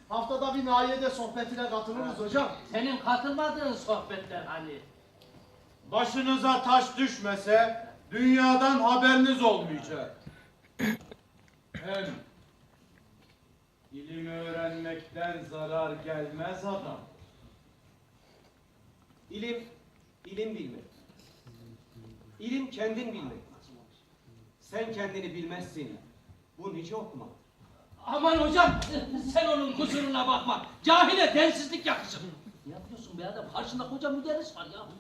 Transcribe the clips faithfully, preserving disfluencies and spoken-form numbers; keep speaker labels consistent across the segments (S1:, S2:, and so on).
S1: Haftada bir nahiyede sohbetine katılırız hocam.
S2: Senin katılmadığın sohbetler hani.
S3: Başınıza taş düşmese dünyadan haberiniz olmayacak. Hem ilim öğrenmekten zarar gelmez adam.
S4: İlim, ilim bilmek. İlim kendin bilmek. Sen kendini bilmezsin. Bu nice okuma.
S2: Aman hocam, sen onun kusuruna bakma. Cahile densizlik yakışır. Ne yapıyorsun be adam? Karşında koca müderris var ya.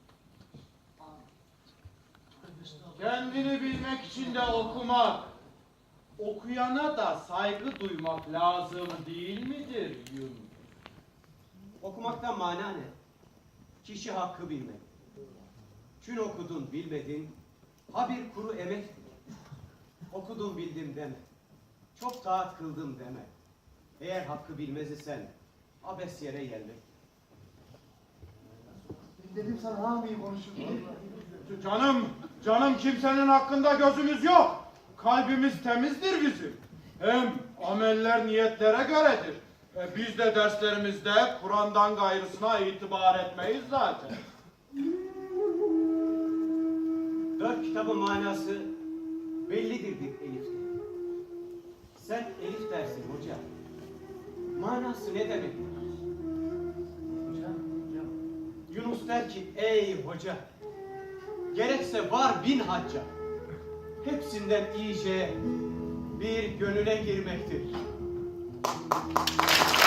S3: Kendini bilmek için de okumak, okuyana da saygı duymak lazım değil midir Yunus?
S4: Okumaktan mana ne? Kişi hakkı bilmek. Çün okudun bilmedin, ha bir kuru emek. Okudum bildim deme. Çok taat kıldım deme. Eğer hakkı bilmez isen abes yere gelmek.
S1: Dedim sana ha iyi konuşur.
S3: Canım, canım kimsenin hakkında gözümüz yok. Kalbimiz temizdir bizim. Hem ameller niyetlere göredir. E, biz de derslerimizde Kur'an'dan gayrısına itibar etmeyiz zaten.
S4: Dört kitabın manası bellidir bir elifte. Sen elif dersin hoca. Manası ne demek?
S2: Hocam, hocam.
S4: Yunus der ki ey hoca, gerekse var bin hacca. Hepsinden iyice bir gönüle girmektir.